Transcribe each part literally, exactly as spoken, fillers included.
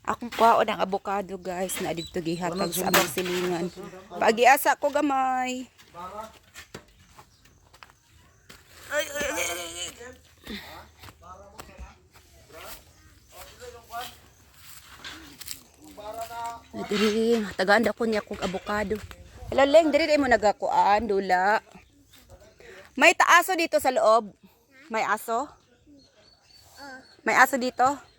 Akong kwaon ang avocado guys na dito gihatag sa among silingan. Pagiasa ko gamay. Ay, ay, ay, ay. Diri, tagaan ko niya kog avocado. Hello Leng, diri mo nagakuan dula. May taaso dito sa loob. May aso? May aso dito?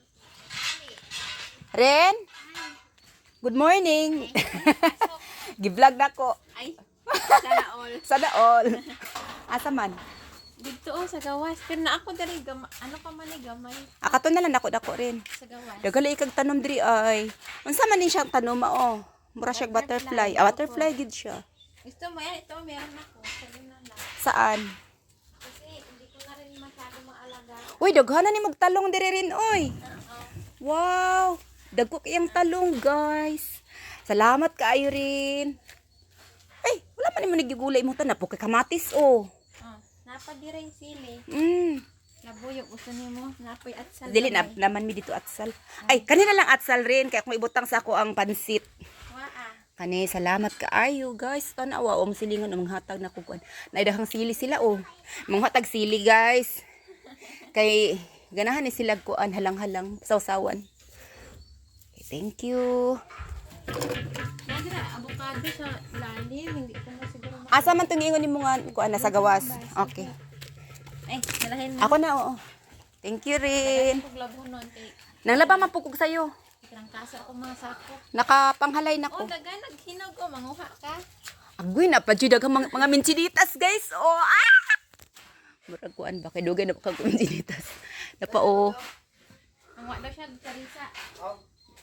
Ren? Good morning. Gi-vlog na ko. Ay, sana all. Sana all. Asa man? Dito oh, sa gawas. Pero na ako dali, gama, ano pa man eh, gamay. Akato na lang nako dako rin. Sa gawas. Dagali ikag tanom diri ay. Unsa man din siyang tanom mao? Mura siya butterfly. Ah, butterfly gid siya. Gusto mo yan? Ito, meron ako. Sabi na lang. Saan? Kasi hindi ko na rin masyado maalaga. Uy, daghanan ni magtalong diri rin oy. Oo. Wow! Dagko kayang talong, guys. Salamat kaayo rin. Ay, wala man nimo nagigulay mo ta na po kay kamatis oh. Oh, napadi rin sili. Mm. Nabuyog, gusto niyo mo. Napoy at sal. Dili na naman mi dito atsal. Ay, kanina lang atsal rin kaya kung ibutang sa ako ang pansit. Waa. Kani, salamat kaayo, guys. Tanawa om silingon ang hatag na kukuan. Naidahang sili sila oh. Mga hatag sili, guys. Kay ganahan ni sila kuan halang-halang sawsawan. Okay, thank you. Nadira, avocado sa lalim. Hindi ko na siguro ma- Asa man tong ingon nimo nga kuan na sa gawas. Okay. Ay, dalahin mo. Ako na oo. Thank you rin. Paglabo nun. Kay, Nanglaba man pugog sayo. ikrang kasa ako mga sako. Nakapanghalay na Oh, ko. daga, naghinog ko. Manguha ka. Agoy na pa jud ang mga, mga minchinitas, guys. Oh, ah! Murag kuan ba kay dugay na pa kag minchinitas. Napa oh. Manguha daw siya, Teresa. Oh.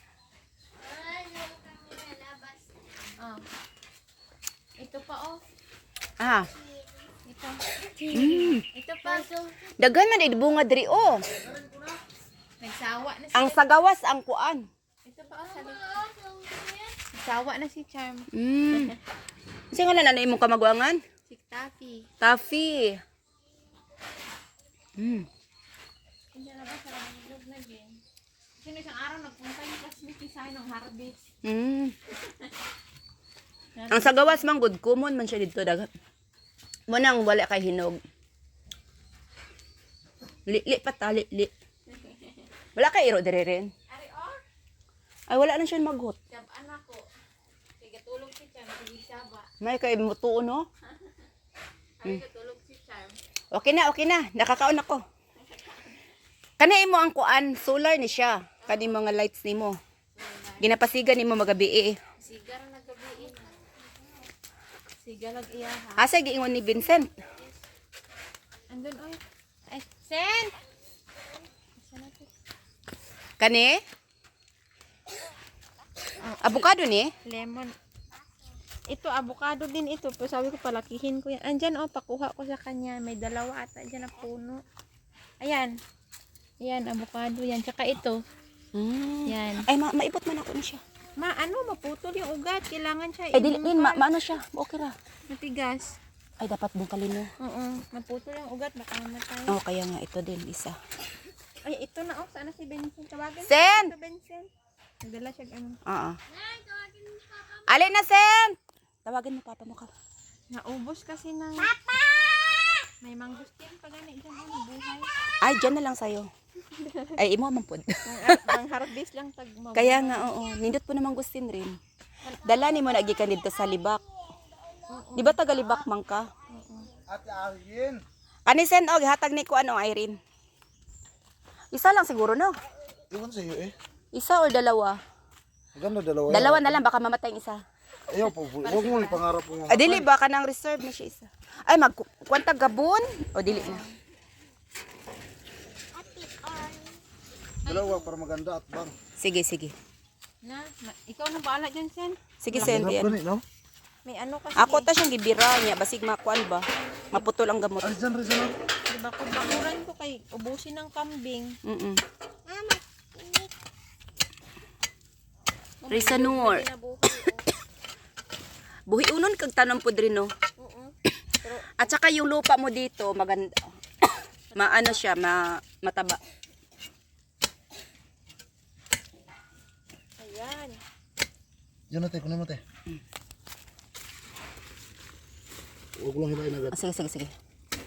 Ito pa oh. Ah. Ito. Mm. Ito pa. Daghan man ay bunga diri oh. Nagsawa na si Ang sa gawas ang kuan. Ito pa oh. Sabi. Nagsawa na si Charm. Mm. Kasi nga na imong kamagwangan? Si Taffy. Taffy. Mm. Hindi na ba sa loob na din? Sino isang araw nagpunta yung classmate ni Sai ng harvest. Mm. Ang sa gawas man good common man siya dito dagat. Mo nang wala kay hinog. Li-li pa ta, li-li. Wala kay iro dire rin. Ari oh. Ay wala na siya maghot. Sabaan ako. Sige tulog si Charm. Sige saba. May kay mutuo no. Ari tulog si Charm. Okay na, okay na. Nakakaon ako. Kani imo ang kuan, solar ni siya. Kani mga lights nimo. Ginapasigan nimo magabi eh. Sigar na gabi. Sigar lag iya ha. Asa giingon ni Vincent? Andun oy. Ay, Sen. Kani? Avocado ni? Lemon. Ito, avocado din ito. Pero sabi ko, palakihin ko yan. Andyan, oh, pakuha ko sa kanya. May dalawa ata dyan na puno. Ayan. Ayan, avocado yan. Tsaka ito. Mm. Yan. Ay, ma maipot man ako ni siya. Ma, ano, maputol yung ugat. Kailangan siya. Ay, dili, din, ma i-bungkal. maano siya. Okay ra. Matigas. Ay, dapat bungkalin mo. Oo, maputol yung ugat. Baka mamatay. Oh, kaya nga, ito din, isa. Ay, ito na, oh. Sana si Benson. Tawagan Sen! si Benson. Nagdala siya, ano. Oo. Alin na, Sen! Tawagan mo, papa mo ka. Naubos kasi ng... Papa! May mangustin pa gani dyan, ano, buhay. Ay, dyan na lang sa'yo. Ay, imo man po. Pang harvest lang tag mabuhay. Kaya nga, oo. Nindot po namang gustin rin. Dala ni mo nagikan dito sa libak. Di ba taga libak man ka? Ate Irene. Ani Sen, og hatag ni ko ano, Irene. Isa lang siguro, no? Iwan sa iyo eh. Isa o dalawa? Maganda dalawa. Dalawa na lang, baka mamatay yung isa. Ayaw po. Huwag mo ipangarap mo. Ah, dili ba ka nang reserve na siya isa? Ay, magkwanta gabon? O dili na? Dalawa para maganda at bang. Sige, sige. Na, ma- ikaw na baala dyan, Sen. Sige, Sen. Hirap yan. gani, no? May ano kasi. Ako ta siyang gibira niya, basig makuan ba? Maputol ang gamot. Ay, dyan rin siya, no? Diba kung bakuran ko kay ubusin ng kambing. Mm-mm. Risanur. Buhi unon kag tanom po drin, no? Oo. At saka yung lupa mo dito, maganda. Maano siya, ma mataba. Yan. Yan na, te. Kunin mo, te. Huwag lang hilahin agad. Ah, sige, sige, sige.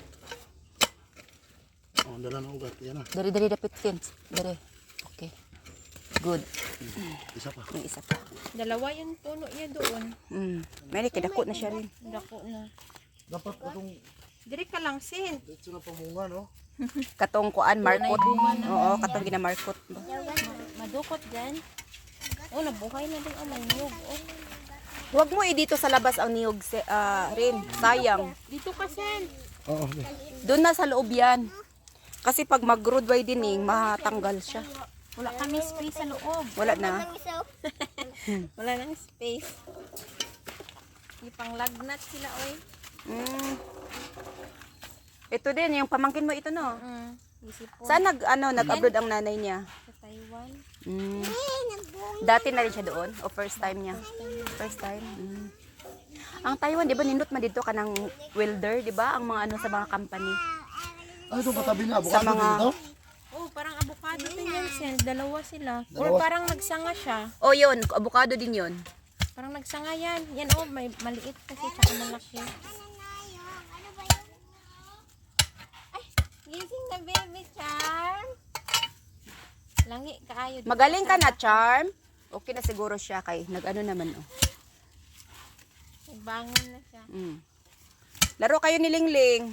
Oh, ang dala ng ugat. Yan na. Dari, dari, dapit, Vince. Dari. Okay. Good. Isa pa. Yung isa pa. Dalawa yung puno niya doon. Mm. May kidako na siya rin. Dako na. Dapat itong Dire ka lang, sin. dito na pamunga, no? Katong kuan, markot. Oo, katong ginamarkot. ba? Madukot dyan. Oh, nabuhay na din ang nanyog. Oh. Huwag mo i dito sa labas ang niyog se, ah, rin. Sayang. Dito ka, sin. Oo, te. Doon na sa loob yan. Kasi pag mag-road widening, matatanggal siya. Wala kami space sa loob. Wala na. Wala nang space. Ipanglagnat sila, oy. Mm. Ito din, yung pamangkin mo ito, no? Mm. Isipon. Saan nag, ano, nag-abroad ang nanay niya? Sa Taiwan. Mm. Dati na rin siya doon? O first time niya? First time. Mm. Ang Taiwan, di ba, nindot man dito ka ng welder, di ba? Ang mga ano sa mga company. Ah, ito katabi na. Sa Avocado mga- dito. Oh, parang avocado din yan, sin. Dalawa sila. Or Dalawa. parang nagsanga siya. O yun, avocado din yun. Parang nagsanga yan. Yan, oh, may maliit kasi, tsaka malaki. Ay, gising na baby, Charm. Langi, kaayo. Magaling ka na, Charm. Okay na siguro siya kay nag-ano naman, oh. Nagbangon na siya. Mm. Laro kayo ni Lingling.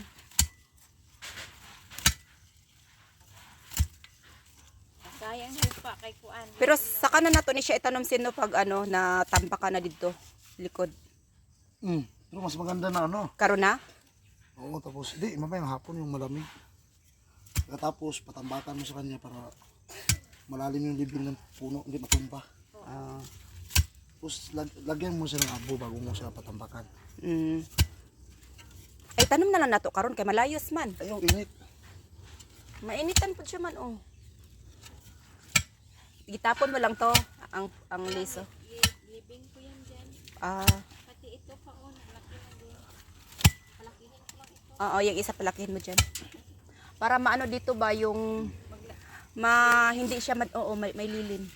Sayang hipa kay Kuan. Pero saka na nato ni siya itanom sino pag ano, na tampa ka na dito. Likod. Hmm. Pero mas maganda na, ano? Karon na? Oo, tapos, hindi, mamayang hapon yung malamig. Tapos, patambakan mo sa kanya para malalim yung libing ng puno, hindi matumba. Ah. Tapos, lag lagyan mo siya ng abo bago mo siya patambakan. Mm. Ay, tanom na lang nato karon kay malayos man. Ay, yung init. Mainitan po siya man, oh. Gitapon mo lang to, ang ang liso. Libing ko yan dyan. Ah, Pati ito pa, oh, laki na din. Palakihin ko lang ito. oo, yung isa palakihin mo diyan. Para maano dito ba yung ma hindi siya mad oo, may, may lilim.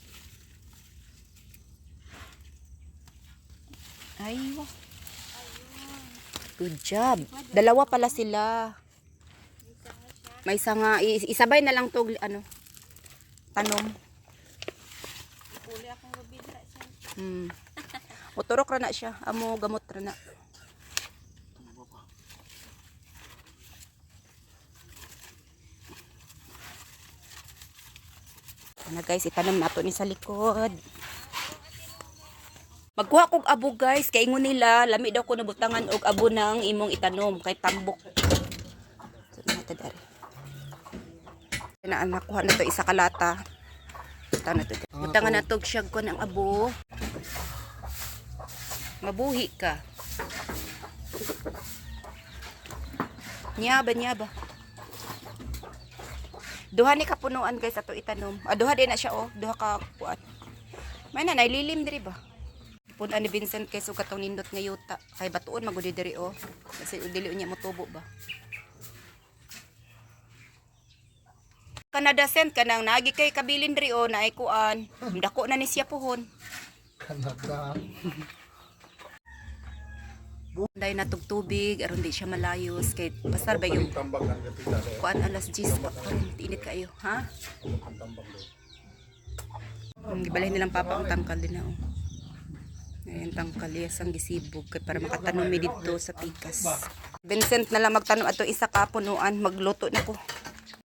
Ay, wow. Good job. Dalawa pala sila. May sanga, i- isabay na lang to ano, tanom. Uli akong rubidra siya. Hmm. Uturok ra na siya. Amo gamot ra na. Na guys, itanam nato ni sa likod. Magkuha kog abo guys, kay ingon nila lami daw ko nabutangan og abo ng imong itanom kay tambok. So nato dari. Na anak kuha na to isa ka lata. Ito na to. Butangan na to siyag ko ng abo. Mabuhi ka. Nyaba, nyaba. Duha ni kapunuan guys ato itanom. Ah, duha din na siya oh. Duha ka kuan. May na naililim diri ba? Punan ni Vincent kay sugat tong nindot nga yuta. Kay batuon magudi diri oh. Kasi dili unya mo tubo ba. Kanada sent kanang naagi kay kabilin diri oh na ay kuan. Dako na ni siya pohon. Kanada. Dahil natog tubig, aron di siya malayos kay pasar ba yung Tambak ang gatila. kuan alas diyes pa karon init kayo, ha? Ang gibalay nilang papa ang tangkal din na oh. Ayan tangkal yes ang gisibog kay para makatanom mi dito sa pikas. Vincent na lang magtanom ato isa ka punuan, magluto na ko.